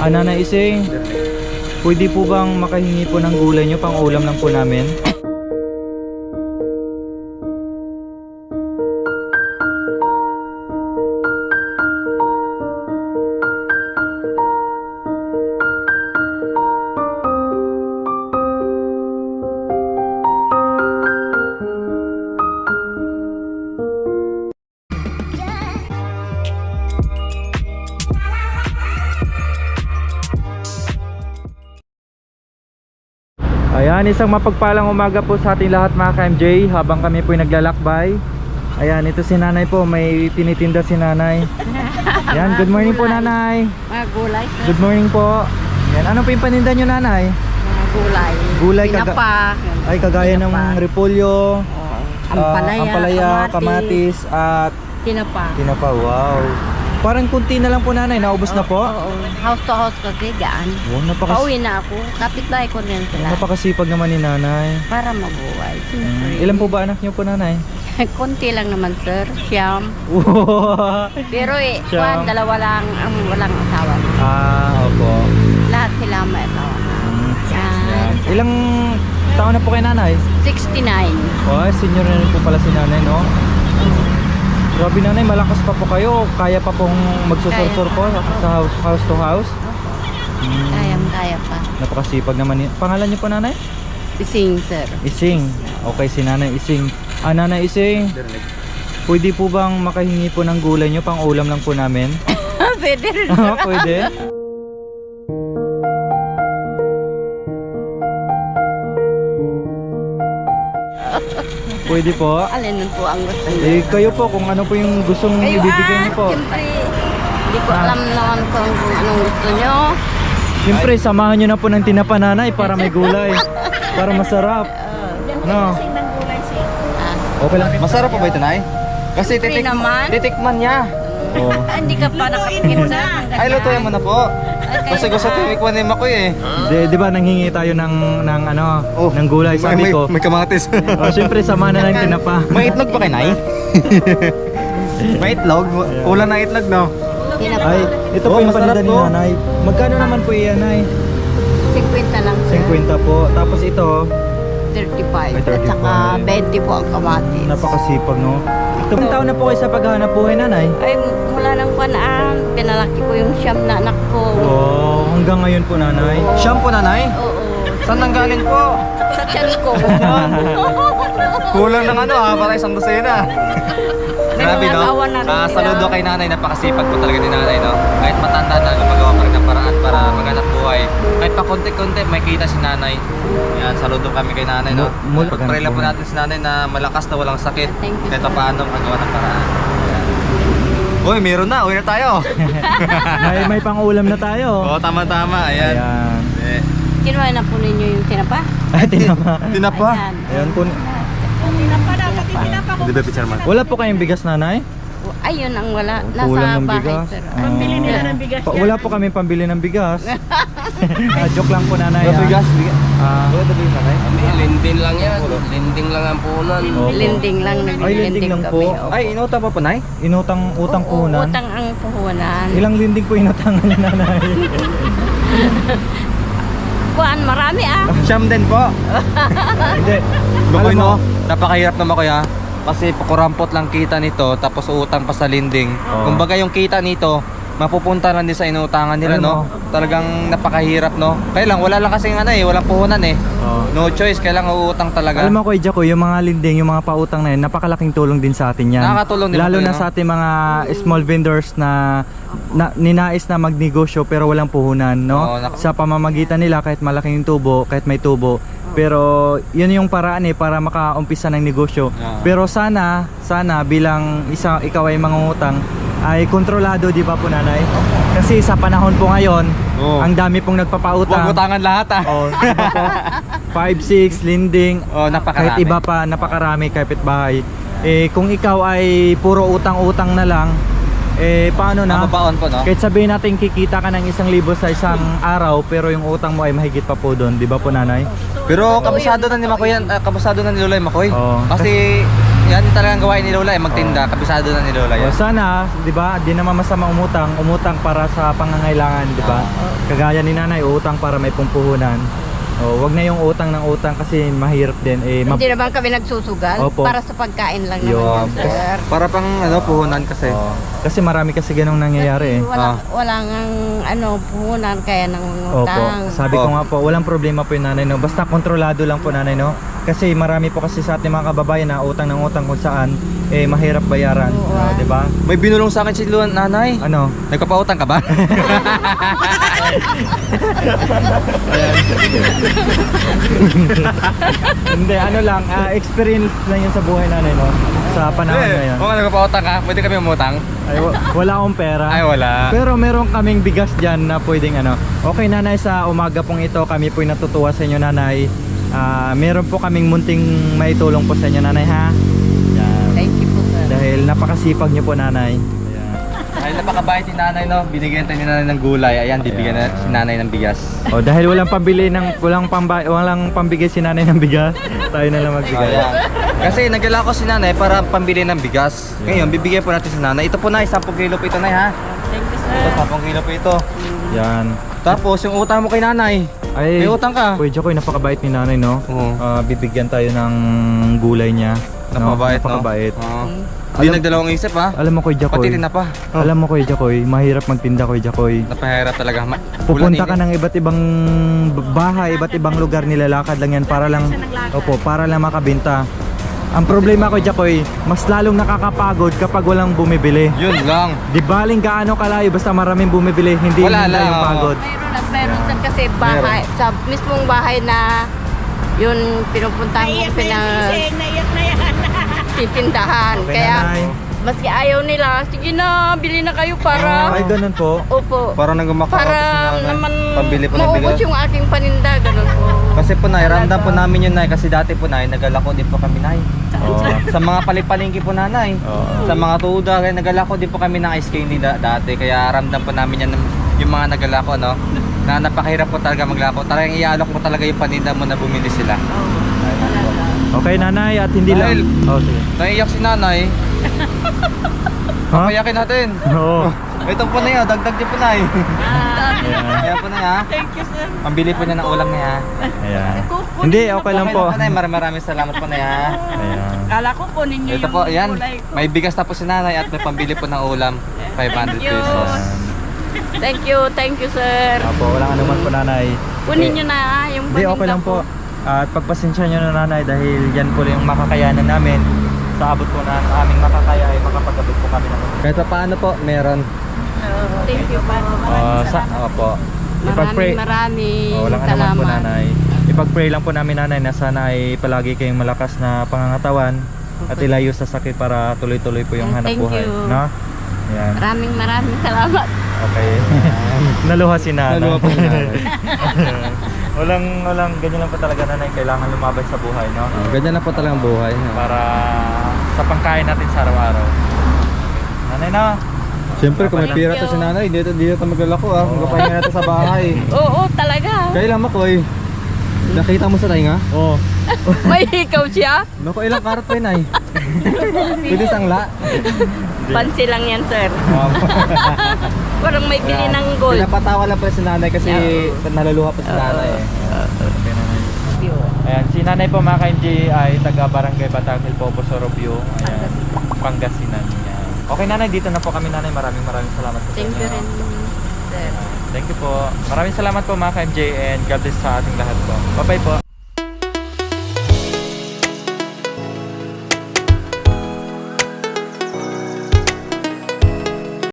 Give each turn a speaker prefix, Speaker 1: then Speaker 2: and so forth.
Speaker 1: Nanay Ising, pwede po bang makahingi po ng gulay nyo? Pang ulam lang po namin. Ayan, isang mapagpalang umaga po sa ating lahat mga ka-MJ. Habang kami po naglalakbay, ayan, ito si nanay po, may tinitinda si nanay. Ayan, good morning po nanay.
Speaker 2: Mga gulay, sir.
Speaker 1: Good morning po. Ayan, ano po yung paninda nyo nanay?
Speaker 2: Mga gulay.
Speaker 1: Gulay,
Speaker 2: Tinapa.
Speaker 1: Ay, kagaya ng repolyo,
Speaker 2: Ampalaya,
Speaker 1: kamatis, at
Speaker 2: tinapa.
Speaker 1: tinapa. Wow, parang kunti na lang po nanay, naubos na po.
Speaker 2: Oo. House to house kasi gaan.
Speaker 1: Wow,
Speaker 2: Pauwi na ako. Kapitbahay ko rin sila.
Speaker 1: napakasipag naman ni nanay.
Speaker 2: Para mabuhay. Siyempre.
Speaker 1: Ilan po ba anak nyo po nanay?
Speaker 2: Konti lang naman, sir. Siyam. Pero
Speaker 1: Siyam.
Speaker 2: dalawa lang ang walang asawa.
Speaker 1: Opo.
Speaker 2: Lahat sila may asawa na.
Speaker 1: Yan. Ilang taon na po kay nanay?
Speaker 2: 69.
Speaker 1: Oh, senior na rin po pala si nanay, no? Grabe nanay, malakas pa po kayo. Kaya pa pong magsusursur po sa house to house.
Speaker 2: Kaya pa.
Speaker 1: Napakasipag naman. Pangalan niyo po nanay?
Speaker 2: Ising, sir.
Speaker 1: Ising. Okay, si nanay Ising. Nanay Ising, pwede po bang makahingi po ng gulay nyo? Pang ulam lang po namin.
Speaker 2: Pwede rin.
Speaker 1: Pwede? Pwede po.
Speaker 2: Alin po ang gusto niyo?
Speaker 1: Eh, kayo po, kung ano po yung gustong ibibigay niyo po.
Speaker 2: Siyempre, hindi ko alam naman kung anong gusto nyo.
Speaker 1: Siyempre, samahan nyo na po ng tinapa nanay para may gulay. Para masarap. No? Okay lang.
Speaker 3: Masarap pa ba ito, Nay? Kasi
Speaker 2: Siyempre naman.
Speaker 3: titikman niya.
Speaker 1: Oh.
Speaker 2: Hindi ka pa nakapagin na.
Speaker 3: Ay, lutuin mo na po. Kasi gusto tinikman ni Makoy eh.
Speaker 1: Di ba nanghingi tayo ng ng gulay, sabi ko.
Speaker 3: May kamatis.
Speaker 1: Siyempre, samahan na ng tinapa.
Speaker 3: May itlog ba kay Nay? May itlog? Ulan na itlog, no?
Speaker 1: Ay, ito po yung
Speaker 3: masarap
Speaker 1: paninda ni
Speaker 3: to.
Speaker 1: nanay. Magkano naman po iyan, nay?
Speaker 2: 50 lang sir.
Speaker 1: 50 po. Tapos ito,
Speaker 2: 35.
Speaker 1: May 35.
Speaker 2: At saka 20 po ang kamatis.
Speaker 1: napakasipag, no? Ilang taon na po kayo sa paghahanap buhay, nanay?
Speaker 2: Ay, mula nang panaan, pinalaki ko yung siyam na anak ko.
Speaker 1: Oh, hanggang ngayon po, nanay.
Speaker 3: Shampoo na, Nay?
Speaker 2: Oo.
Speaker 3: Saan nanggaling po?
Speaker 2: Sa tiyan ko.
Speaker 3: Kulang ng para isang dosena. Grabe,
Speaker 2: mga
Speaker 3: no?
Speaker 2: asawa na rin
Speaker 3: Saludo
Speaker 2: nila.
Speaker 3: kay nanay, napakasipag po talaga ni nanay, no? Kahit matanda na, gumagawa pa rin ng paraan para maghanap buhay. Kahit pa konti-konti, may kita si nanay. Yan, saludo kami kay nanay, no? Pag-pray lang po natin si nanay na malakas na walang sakit.
Speaker 2: Thank you,
Speaker 3: Kahit
Speaker 2: sir.
Speaker 3: pa paano magawa ng paraan. Yan. Uy, meron na. Uwi na tayo.
Speaker 1: may pang-ulam na tayo.
Speaker 3: Oo, tama-tama. Ayan.
Speaker 1: Ayan.
Speaker 3: Eh,
Speaker 2: Kinuha na po ninyo yung tinapa?
Speaker 1: Ay, tinapa.
Speaker 3: tinapa.
Speaker 2: Ayan.
Speaker 1: Ayan po.
Speaker 3: Hindi ba picture man?
Speaker 1: Wala po kayong bigas, nanay?
Speaker 2: Ayun ang wala.
Speaker 1: Kulang
Speaker 2: Nasa
Speaker 1: ng
Speaker 2: bahay,
Speaker 1: bigas.
Speaker 2: sir.
Speaker 1: Pambili nila ng bigas. Wala po kami pambili ng bigas. Joke lang po, nanay.
Speaker 3: Bigas.
Speaker 1: Wala
Speaker 3: ba yung nanay?
Speaker 4: Linding lang yan. Linding lang ang punan.
Speaker 1: Opo.
Speaker 2: Linding lang.
Speaker 1: Ay, linding lang po.
Speaker 2: kami. Opo.
Speaker 3: Ay, inutang pa po, Nay?
Speaker 1: Utang
Speaker 2: Oo,
Speaker 1: puhunan.
Speaker 2: utang ang puhunan.
Speaker 1: Ilang linding po inutangan ni nanay?
Speaker 2: Kuan, marami ah.
Speaker 3: Siyam din po.
Speaker 1: Hindi.
Speaker 3: Makoy,
Speaker 1: Alam mo-
Speaker 3: no? Napakahirap na Makoy, ha? Kasi kurampot lang kita nito, tapos utang pa sa linding.
Speaker 1: Oo.
Speaker 3: Kumbaga yung kita nito, mapupunta lang din sa inutangan nila,
Speaker 1: Alam
Speaker 3: no?
Speaker 1: mo.
Speaker 3: Talagang napakahirap, no? Kaya lang, wala lang kasi walang puhunan eh.
Speaker 1: Oh.
Speaker 3: No choice, kailangan uutang talaga.
Speaker 1: Alam mo, Kuya Jaco, yung mga linding, yung mga pautang na yun, napakalaking tulong din sa atin yan.
Speaker 3: Nakakatulong din
Speaker 1: Lalo
Speaker 3: po
Speaker 1: na
Speaker 3: yun,
Speaker 1: sa ating mga small vendors na ninais na magnegosyo pero walang puhunan, no?
Speaker 3: Oo,
Speaker 1: Sa pamamagitan nila, kahit malaking tubo, kahit may tubo. Pero yun yung paraan para makaumpisa ng negosyo.
Speaker 3: Oo.
Speaker 1: Pero sana bilang ikaw ay mangungutang, ay kontrolado, di ba po, nanay? Kasi sa panahon po ngayon,
Speaker 3: Oo.
Speaker 1: ang dami pong
Speaker 3: Huwag
Speaker 1: nagpapautang.
Speaker 3: utangan lahat, ha?
Speaker 1: Oh, di ba po? 5, 6, linding,
Speaker 3: Oh, napakarami.
Speaker 1: kahit iba pa, napakarami kapitbahay. Kung ikaw ay puro utang-utang na lang, paano na?
Speaker 3: Mababaon po, no?
Speaker 1: Kahit sabihin natin kikita ka ng 1,000 sa isang araw, pero yung utang mo ay mahigit pa po doon, di ba po, nanay?
Speaker 3: Pero kabisado na ni Makoy yan, kabisado na ni Lola yung Makoy.
Speaker 1: Oo.
Speaker 3: Kasi yan talagang gawain ni Lola, magtinda, kabisado na ni Lola yan.
Speaker 1: O sana, di ba, di naman masama umutang para sa pangangailangan, di ba? kagaya ni nanay, utang para may pumpuhunan. O, wag na yung utang ng utang kasi mahirap din.
Speaker 2: Hindi naman kami nagsusugal.
Speaker 1: Opo.
Speaker 2: Para sa pagkain lang
Speaker 1: Yun.
Speaker 2: naman yan, sir.
Speaker 3: Para pang puhunan kasi.
Speaker 1: Oo. Kasi marami kasi ganong nangyayari eh.
Speaker 2: Walang puhunan kaya ng
Speaker 1: Opo.
Speaker 2: utang.
Speaker 1: Sabi ko nga po, walang problema po yung nanay no. Basta kontrolado lang po nanay no. Kasi marami po kasi sa ating mga kababayan na utang ng utang kung saan mahirap bayaran,
Speaker 2: Oo,
Speaker 1: di ba?
Speaker 3: May binulong sa akin si nanay.
Speaker 1: Ano?
Speaker 3: Nagpapautang ka ba?
Speaker 1: Hindi, ano lang, experience lang yun sa buhay nanay no. Sa panahon ngayon.
Speaker 3: Kung nagpapautang ka, pwede kami umutang?
Speaker 1: Ay, wala akong pera.
Speaker 3: Ay, wala.
Speaker 1: Pero meron kaming bigas dyan na pwedeng ano. Okay nanay, sa umaga pong ito kami po'y natutuwa sa inyo nanay. Meron po kaming munting maitulong po sa inyo nanay ha. Yan.
Speaker 2: Thank you po, sir.
Speaker 1: Dahil napakasipag nyo po nanay.
Speaker 3: Ay, napakabait ni nanay, no? Binigyan tayo ni nanay ng gulay. Ayan, bibigyan na si nanay ng bigas.
Speaker 1: O dahil walang pambili ng walang pambigay si nanay ng bigas, tayo na lang magbigay.
Speaker 3: Ayan. Kasi nagdala ko si nanay para pambili ng bigas. Ngayon, bibigyan po natin si nanay. Ito po na, 10 kilo po ito na, ha?
Speaker 2: Thank you,
Speaker 3: Ito,
Speaker 2: sir.
Speaker 3: 10 kilo po ito.
Speaker 1: Yan.
Speaker 3: Tapos, yung utang mo kay nanay.
Speaker 1: Ay,
Speaker 3: May utang ka?
Speaker 1: Kuya Jokoy, napakabait ni nanay no.
Speaker 3: Oo.
Speaker 1: Bibigyan tayo ng gulay niya.
Speaker 3: Napakabait, no?
Speaker 1: Napakabait.
Speaker 3: Oo. Hindi nagdalawang isip, ha?
Speaker 1: Alam mo Kuya Jokoy.
Speaker 3: Pati rin na pa.
Speaker 1: Alam mo Kuya Jokoy, mahirap magtinda Kuya Jokoy.
Speaker 3: Napahirap talaga.
Speaker 1: Pupunta ka ng iba't ibang bahay, iba't ibang lugar, nilalakad lang yan para lang para lang makabenta. Ang problema ko Jacoy, mas lalong nakakapagod kapag walang bumibili.
Speaker 3: Yun lang.
Speaker 1: Di baling gaano kalayo basta maraming bumibili, hindi
Speaker 3: Wala
Speaker 1: nila
Speaker 3: lang,
Speaker 1: yung
Speaker 3: oo.
Speaker 1: pagod.
Speaker 2: Mayroon at mayroon sir kasi bahay, sa mismong bahay na yun pinupuntahan ko titindahan.
Speaker 1: Okay,
Speaker 2: Kaya
Speaker 1: nanay.
Speaker 2: maski ayaw nila, sige na, bili na kayo para
Speaker 1: Ay, ganun po.
Speaker 2: opo.
Speaker 3: Para nang gumakao
Speaker 2: Para naman
Speaker 3: pambili po ng
Speaker 2: maubos
Speaker 3: bigas.
Speaker 2: yung aking paninda, ganun po.
Speaker 3: Kasi po nay, ramdam po namin yun nay. Kasi dati po nay, nagalako din po kami nay.
Speaker 1: Oo.
Speaker 3: Sa mga palipalingki po nanay.
Speaker 1: Oo.
Speaker 3: Sa mga tuda, kaya nagalako din po kami ng ice candy dati. Kaya ramdam po namin yan yung mga nagalako, no? Na napakahirap po talaga maglako. Talagang iaalok mo talaga yung paninda mo na bumili sila.
Speaker 1: Okay nanay, at hindi lang.
Speaker 3: Dahil-
Speaker 1: Oh, sige.
Speaker 3: Naiiyak si nanay.
Speaker 1: Ha?
Speaker 3: Payakin natin.
Speaker 1: Oo.
Speaker 3: Ito po na yun, dagdag din po nay.
Speaker 1: Ayan.
Speaker 3: Kaya po na ha.
Speaker 2: Thank you, sir.
Speaker 3: Pambili po niya ng ulam niya.
Speaker 1: Ayan. Hindi, okay lang po.
Speaker 3: Nay, maraming salamat po na ha.
Speaker 1: Ayan.
Speaker 2: Kala ko po ninyo
Speaker 3: Ito po, ayan. May bigas na po si nanay at may pambili po ng ulam. 500
Speaker 2: Thank you.
Speaker 3: pesos.
Speaker 2: Thank you, sir.
Speaker 1: Apo, walang anuman po nanay.
Speaker 2: Kunin nyo na yung
Speaker 1: Hindi, okay lang po. At pagpasensya nyo na nanay dahil yan po yung makakayanan namin. Sa abot po na aming makakaya ay makapagabot po kami ng
Speaker 3: Kahit pa paano po, meron.
Speaker 2: Thank you pa.
Speaker 1: Opo. Ipag-pray.
Speaker 2: Maraming
Speaker 1: Walang anuman po
Speaker 2: salamat.
Speaker 1: nanay. Ipag-pray lang po namin nanay na sana ay palagi kayong malakas na pangangatawan at ilayo sa sakit para tuloy-tuloy po yung hanap
Speaker 2: Thank
Speaker 1: buhay.
Speaker 2: you.
Speaker 1: No? Ayan.
Speaker 2: Maraming salamat.
Speaker 1: Okay. Naluha si nanay.
Speaker 3: Naluha po si nanay.
Speaker 1: walang ganyan lang po talaga nanay, kailangan lumabay sa buhay, no?
Speaker 3: Ganyan na po talagang buhay.
Speaker 1: Para sa pangkain natin sa araw-araw. Nanay na.
Speaker 3: Siyempre, kung may
Speaker 2: Thank
Speaker 3: pira to
Speaker 2: you.
Speaker 3: si nanay, dito maglalako ah. Magpapahinga natin sa bahay.
Speaker 2: Oo, talaga.
Speaker 3: Kailan Makoy? Nakita mo sa tainga?
Speaker 1: Oh.
Speaker 2: May ikaw siya?
Speaker 3: Naku, ilang karat pa yun ay. Pwede sangla.
Speaker 2: Pansi lang yan, sir. Parang may bili ng gold.
Speaker 3: Pinapatawa lang pa si nanay kasi naluluha pa si nanay eh.
Speaker 1: Okay, nanay. Ayan, si nanay po mga ka-MJ ay taga Barangay Batang Hill po, Sorobio. Ayan, Pangasinan. Ayan. Okay nanay, dito na po kami nanay. Maraming salamat po sa
Speaker 2: Thank you
Speaker 1: inyo.
Speaker 2: rin, sir.
Speaker 1: Thank you po. Maraming salamat po mga ka-MJ and God bless sa ating lahat po. Bye-bye po.